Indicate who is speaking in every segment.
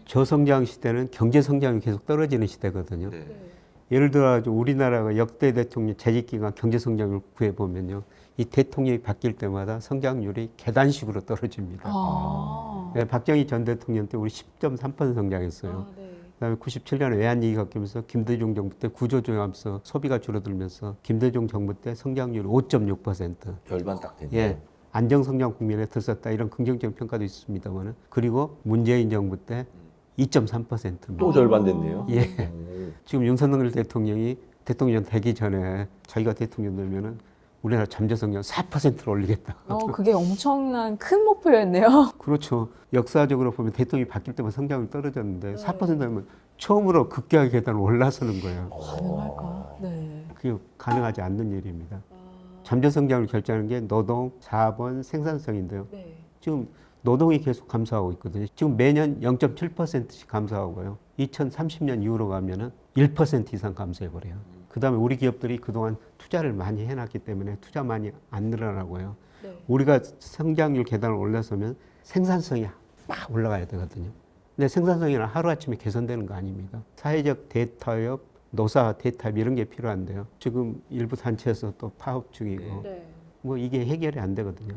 Speaker 1: 저성장 시대는 경제 성장이 계속 떨어지는 시대거든요.
Speaker 2: 네.
Speaker 1: 예를 들어 우리나라가 역대 대통령 재직 기간 경제 성장을 구해 보면요, 이 대통령이 바뀔 때마다 성장률이 계단식으로 떨어집니다. 네, 박정희 전 대통령 때 우리 10.3% 성장했어요. 그다음에 97년에 외환위기가 뀌면서 김대중 정부 때 구조조정하면서 소비가 줄어들면서 김대중 정부 때 성장률 5.6%.
Speaker 2: 절반 딱 됐네.
Speaker 1: 예, 안정성장 국면에 들었다 이런 긍정적 평가도 있습니다만은, 그리고 문재인 정부 때 2.3%입니다.
Speaker 2: 또 절반 됐네요.
Speaker 1: 예.
Speaker 2: 오.
Speaker 1: 지금 윤석열 대통령이 대통령 되기 전에 자기가 대통령 되면은 우리나라 잠재 성장 4%를 올리겠다.
Speaker 3: 그게 엄청난 큰 목표였네요.
Speaker 1: 그렇죠. 역사적으로 보면 대통령이 바뀔 때만 성장이 떨어졌는데 4%면 처음으로 급격하게 계단을 올라서는 거예요.
Speaker 3: 가능할까? 네.
Speaker 1: 그게 가능하지 않는 일입니다. 잠재 성장을 결정하는 게 노동, 자본, 생산성인데요. 지금 노동이 계속 감소하고 있거든요. 지금 매년 0.7%씩 감소하고요. 2030년 이후로 가면은 1% 이상 감소해버려요. 그 다음에 우리 기업들이 그동안 투자를 많이 해놨기 때문에 투자 많이 안 늘어나고요. 우리가 성장률 계단을 올라서면 생산성이 막 올라가야 되거든요. 근데 생산성이는 하루아침에 개선되는 거 아닙니다. 사회적 대타협, 노사 대타협 이런 게 필요한데요. 지금 일부 단체에서 또 파업 중이고 뭐 이게 해결이 안 되거든요.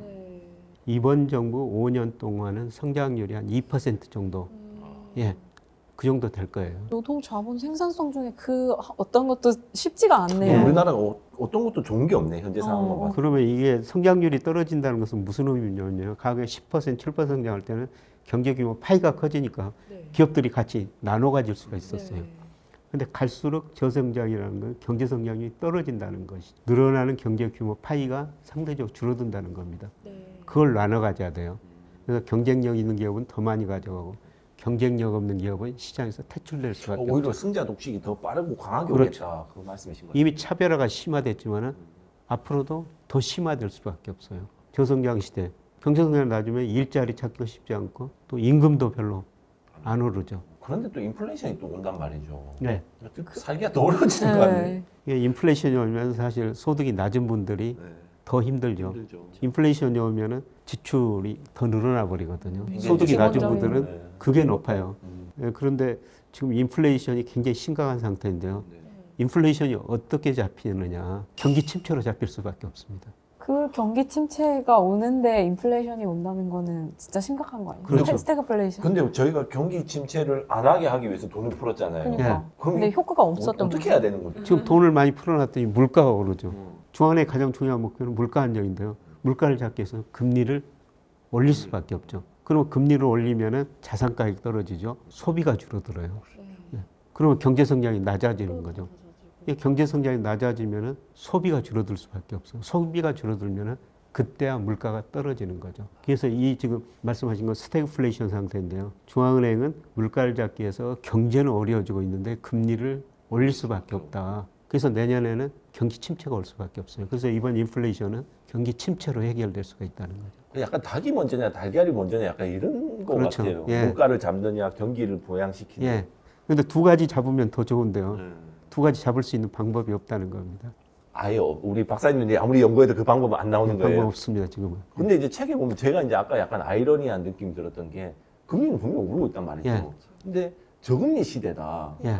Speaker 1: 이번 정부 5년 동안은 성장률이 한 2% 정도, 예, 그 정도 될 거예요.
Speaker 3: 노동, 자본, 생산성 중에 그 어떤 것도 쉽지가 않네요.
Speaker 2: 우리나라가 어떤 것도 좋은 게 없네, 현재 상황만 봐서.
Speaker 1: 그러면 이게 성장률이 떨어진다는 것은 무슨 의미냐면요. 과거에 10%, 7% 성장할 때는 경제 규모 파이가 커지니까 기업들이 같이 나눠 가질 수가 있었어요. 근데 갈수록 저성장이라는 건 경제 성장이 떨어진다는 것이, 늘어나는 경제 규모 파이가 상대적으로 줄어든다는 겁니다. 그걸 나눠 가져야 돼요. 그래서 경쟁력 있는 기업은 더 많이 가져가고 경쟁력 없는 기업은 시장에서 퇴출될 수밖에 없죠.
Speaker 2: 오히려 승자 독식이 더 빠르고 강하게
Speaker 1: 그렇죠.
Speaker 2: 오겠다. 그 말씀이신 거죠.
Speaker 1: 이미 차별화가 심화됐지만은 앞으로도 더 심화될 수밖에 없어요. 저성장 시대, 경제 성장이 낮으면 일자리 찾기가 쉽지 않고 또 임금도 별로 안 오르죠.
Speaker 2: 그런데 또 인플레이션이 또 온단 말이죠.
Speaker 1: 네.
Speaker 2: 살기가 더 어려워지는 거 아니에요?
Speaker 1: 이게 인플레이션이 오면 사실 소득이 낮은 분들이
Speaker 2: 네.
Speaker 1: 더 힘들죠.
Speaker 2: 힘들죠.
Speaker 1: 인플레이션이 오면은 지출이 더 늘어나 버리거든요.
Speaker 2: 굉장히
Speaker 1: 소득이 낮은
Speaker 3: 기본적인-
Speaker 1: 분들은
Speaker 2: 네.
Speaker 1: 그게 높아요. 예, 그런데 지금 인플레이션이 굉장히 심각한 상태인데요.
Speaker 2: 네.
Speaker 1: 인플레이션이 어떻게 잡히느냐? 경기 침체로 잡힐 수밖에 없습니다.
Speaker 3: 그 경기 침체가 오는데 인플레이션이 온다는 거는 진짜 심각한 거 아니에요?
Speaker 1: 그렇죠.
Speaker 3: 스태그플레이션.
Speaker 2: 근데 저희가 경기 침체를 안 하게 하기 위해서 돈을 풀었잖아요.
Speaker 3: 그러니까.
Speaker 2: 그럼
Speaker 3: 근데 효과가 없었던
Speaker 2: 어떻게
Speaker 3: 거죠.
Speaker 2: 해야 되는 거죠?
Speaker 1: 지금 돈을 많이 풀어놨더니 물가가 오르죠. 중앙은행의 가장 중요한 목표는 물가 안정인데요. 물가를 잡기 위해서 금리를 올릴 수밖에 없죠. 그러면 금리를 올리면은 자산 가격이 떨어지죠. 소비가 줄어들어요. 예. 그러면 경제 성장이 낮아지는 거죠. 이 경제 성장이 낮아지면은 소비가 줄어들 수밖에 없어요. 소비가 줄어들면은 그때야 물가가 떨어지는 거죠. 그래서 이 지금 말씀하신 건 스태그플레이션 상태인데요. 중앙은행은 물가를 잡기 위해서 경제는 어려워지고 있는데 금리를 올릴 수밖에 없다. 그래서 내년에는 경기 침체가 올 수밖에 없어요. 그래서 이번 인플레이션은 경기 침체로 해결될 수가 있다는 거죠.
Speaker 2: 약간 닭이 먼저냐 달걀이 먼저냐 약간 이런 거
Speaker 1: 그렇죠.
Speaker 2: 같아요.
Speaker 1: 예.
Speaker 2: 물가를 잡느냐 경기를 보양시키느냐.
Speaker 1: 예. 근데 두 가지 잡으면 더 좋은데요. 두 가지 잡을 수 있는 방법이 없다는 겁니다.
Speaker 2: 아예 우리 박사님이 아무리 연구해도 그 방법은 안 나오는
Speaker 1: 방법
Speaker 2: 거예요.
Speaker 1: 없습니다, 지금은.
Speaker 2: 근데 이제 책에 보면 제가 이제 아까 약간 아이러니한 느낌이 들었던 게 금리는 분명히 오르고 있단 말이죠.
Speaker 1: 예.
Speaker 2: 근데 저금리 시대다.
Speaker 1: 예.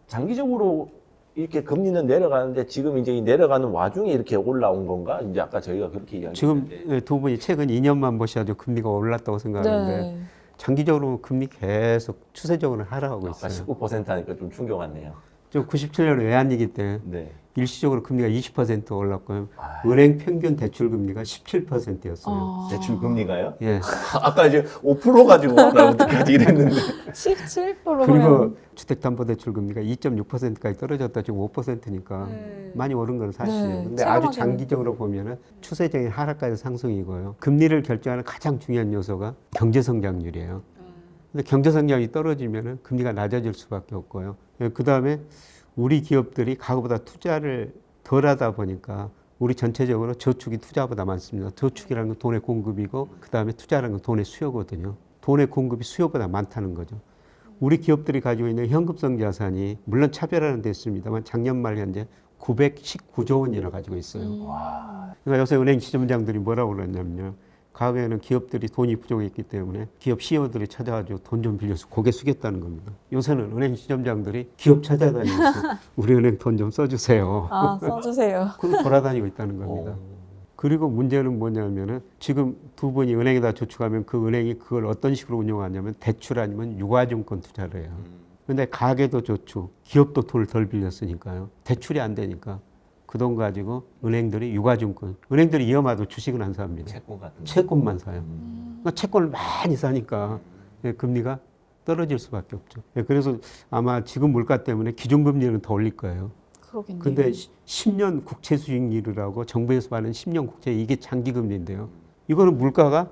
Speaker 2: 장기적으로 이렇게 금리는 내려가는데 지금 이제 이 내려가는 와중에 이렇게 올라온 건가? 이제 아까 저희가 그렇게
Speaker 1: 지금
Speaker 2: 이야기했는데
Speaker 1: 두 분이 최근 2년만 보셔도 금리가 올랐다고 생각하는데
Speaker 3: 네.
Speaker 1: 장기적으로 금리 계속 추세적으로 하락하고
Speaker 2: 아까
Speaker 1: 있어요.
Speaker 2: 19% 하니까 좀 충격 왔네요.
Speaker 1: 저 97년 외환위기 때
Speaker 2: 네.
Speaker 1: 일시적으로 금리가 20% 올랐고요.
Speaker 2: 아.
Speaker 1: 은행 평균 대출 금리가 17%였어요.
Speaker 2: 대출 금리가요?
Speaker 1: 예.
Speaker 2: 아까 이제 5% 가지고 나 어떡하지 이랬는데
Speaker 3: 17%면
Speaker 1: 그리고 주택담보대출 금리가 2.6%까지 떨어졌다 지금 5%니까 많이 오른 건 사실이에요.
Speaker 3: 네,
Speaker 1: 근데 아주
Speaker 3: 체감하기는.
Speaker 1: 장기적으로 보면은 추세적인 하락까지 상승이고요. 금리를 결정하는 가장 중요한 요소가 경제 성장률이에요. 근데 경제 성장이 떨어지면은 금리가 낮아질 수밖에 없고요. 그 다음에 우리 기업들이 과거보다 투자를 덜 하다 보니까 우리 전체적으로 저축이 투자보다 많습니다. 저축이라는 건 돈의 공급이고 그 다음에 투자라는 건 돈의 수요거든요. 돈의 공급이 수요보다 많다는 거죠. 우리 기업들이 가지고 있는 현금성 자산이 물론 차별화는 됐습니다만 작년 말 현재 919조 원이나 가지고 있어요. 그러니까 요새 은행 지점장들이 뭐라고 그러냐면요. 과거에는 기업들이 돈이 부족했기 때문에 기업 CEO들이 찾아가지고 돈 좀 빌려서 고개 숙였다는 겁니다. 요새는 은행 시점장들이 기업 찾아다니면서 우리 은행 돈 좀 써주세요.
Speaker 3: 아, 써주세요.
Speaker 1: 그걸 돌아다니고 있다는 겁니다. 그리고 문제는 뭐냐면은 지금 두 분이 은행에다 저축하면 그 은행이 그걸 어떤 식으로 운영하냐면 대출 아니면 유가증권 투자를 해요. 근데 가게도 저축, 기업도 돈을 덜 빌렸으니까요. 대출이 안 되니까 그 돈 가지고 은행들이 유가증권, 은행들이 위험하도 주식은 안 삽니다.
Speaker 2: 채권 같은 거.
Speaker 1: 채권만 사요. 그러니까 채권을 많이 사니까 예, 금리가 떨어질 수밖에 없죠. 예, 그래서 아마 지금 물가 때문에 기준금리는 더 올릴 거예요.
Speaker 3: 그러겠네요.
Speaker 1: 근데 10년 국채 수익률이라고 정부에서 말하는 10년 국채 이게 장기금리인데요. 이거는 물가가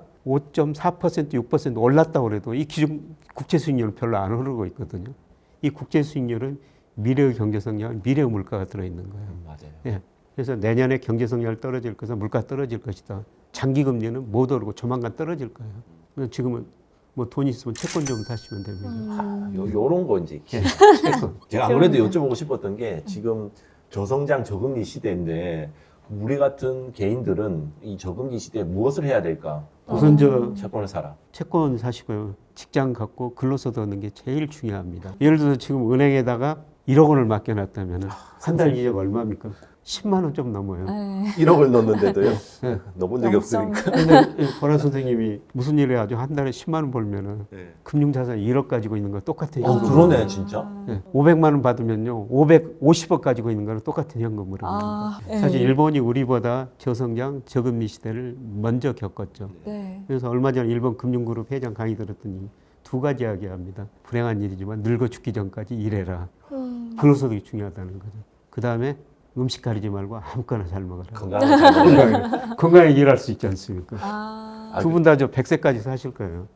Speaker 1: 5.4% 6% 올랐다고 그래도 이 기준 국채 수익률은 별로 안 오르고 있거든요. 이 국채 수익률은 미래의 경제 성장, 미래의 물가가 들어있는 거예요.
Speaker 2: 맞아요.
Speaker 1: 예. 그래서 내년에 경제 성장이 떨어질 것은 물가 떨어질 것이다. 장기금리는 못 오르고 조만간 떨어질 거예요. 그래서 지금은 뭐 돈 있으면 채권 좀 사시면 됩니다.
Speaker 2: 요런 거 이제
Speaker 1: 예, 채권.
Speaker 2: 제가 안 그래도 여쭤보고 싶었던 게 지금 저성장 저금리 시대인데 우리 같은 개인들은 이 저금리 시대에 무엇을 해야 될까?
Speaker 1: 우선 저
Speaker 2: 채권을 사라.
Speaker 1: 채권 사시고요. 직장 갖고 근로소득 얻는 게 제일 중요합니다. 예를 들어서 지금 은행에다가 1억 원을 맡겨놨다면 한 달 이자가 얼마입니까? 10만 원 좀 넘어요.
Speaker 3: 네.
Speaker 2: 1억을 넣는데도요.
Speaker 1: 네.
Speaker 2: 넣어본 적이 없으니까.
Speaker 1: 근데 보라 선생님이 무슨 일을 해가지고 한 달에 10만 원 벌면은
Speaker 2: 네.
Speaker 1: 금융자산 1억 가지고 있는 거 똑같아요.
Speaker 2: 그러네 진짜.
Speaker 1: 네. 500만 원 받으면요. 550억 가지고 있는 거랑 똑같은 현금으로.
Speaker 3: 아, 네.
Speaker 1: 사실 일본이 우리보다 저성장, 저금리 시대를 먼저 겪었죠.
Speaker 3: 네.
Speaker 1: 그래서 얼마 전에 일본 금융그룹 회장 강의 들었더니 두 가지 이야기합니다. 불행한 일이지만 늙어 죽기 전까지 일해라. 근로소득이 중요하다는 거죠. 그 다음에 음식 가리지 말고 아무거나 잘 먹어라.
Speaker 2: 건강을 잘 먹어라.
Speaker 1: 건강하게 일할 수 있지 않습니까?
Speaker 3: 아,
Speaker 1: 두 분 다 저 100세까지 사실 거예요.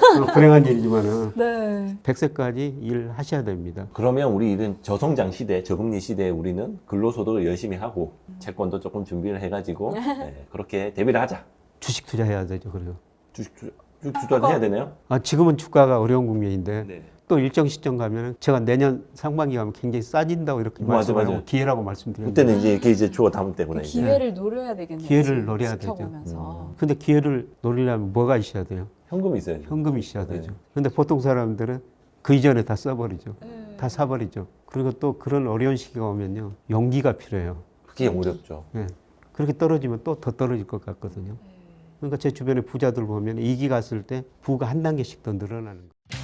Speaker 1: 불행한 일이지만은
Speaker 3: 네.
Speaker 1: 100세까지 일하셔야 됩니다.
Speaker 2: 그러면 우리 이런 저성장 시대, 저금리 시대에 우리는 근로소득을 열심히 하고 채권도 조금 준비를 해가지고 네, 그렇게 대비를 하자.
Speaker 1: 주식 투자해야 되죠, 그래요.
Speaker 2: 주식 투자도 해야 되나요?
Speaker 1: 아, 지금은 주가가 어려운 국면인데
Speaker 2: 네.
Speaker 1: 또 일정 시점 가면은 제가 내년 상반기 가면 굉장히 싸진다고 이렇게
Speaker 2: 맞아,
Speaker 1: 말씀하고
Speaker 2: 맞아.
Speaker 1: 기회라고 말씀드렸는데
Speaker 2: 그때는 이제 이렇게 이제 주어 담을 때구나.
Speaker 3: 그
Speaker 2: 이제.
Speaker 3: 기회를 노려야 되겠네요.
Speaker 1: 기회를
Speaker 3: 지금
Speaker 1: 노려야 되죠.
Speaker 3: 지켜보면서.
Speaker 1: 근데 기회를 노리려면 뭐가 있어야 돼요?
Speaker 2: 현금이 있어야죠.
Speaker 1: 현금이 있어야 되죠.
Speaker 2: 네.
Speaker 1: 근데 보통 사람들은 그 이전에 다 써버리죠.
Speaker 3: 네.
Speaker 1: 다 사버리죠. 그리고 또 그런 어려운 시기가 오면요. 용기가 필요해요.
Speaker 2: 그게 어렵죠.
Speaker 1: 예. 그렇게 떨어지면 또 더 떨어질 것 같거든요. 그러니까 제 주변에 부자들 보면 이기 갔을 때 부가 한 단계씩 더 늘어나는 거예요.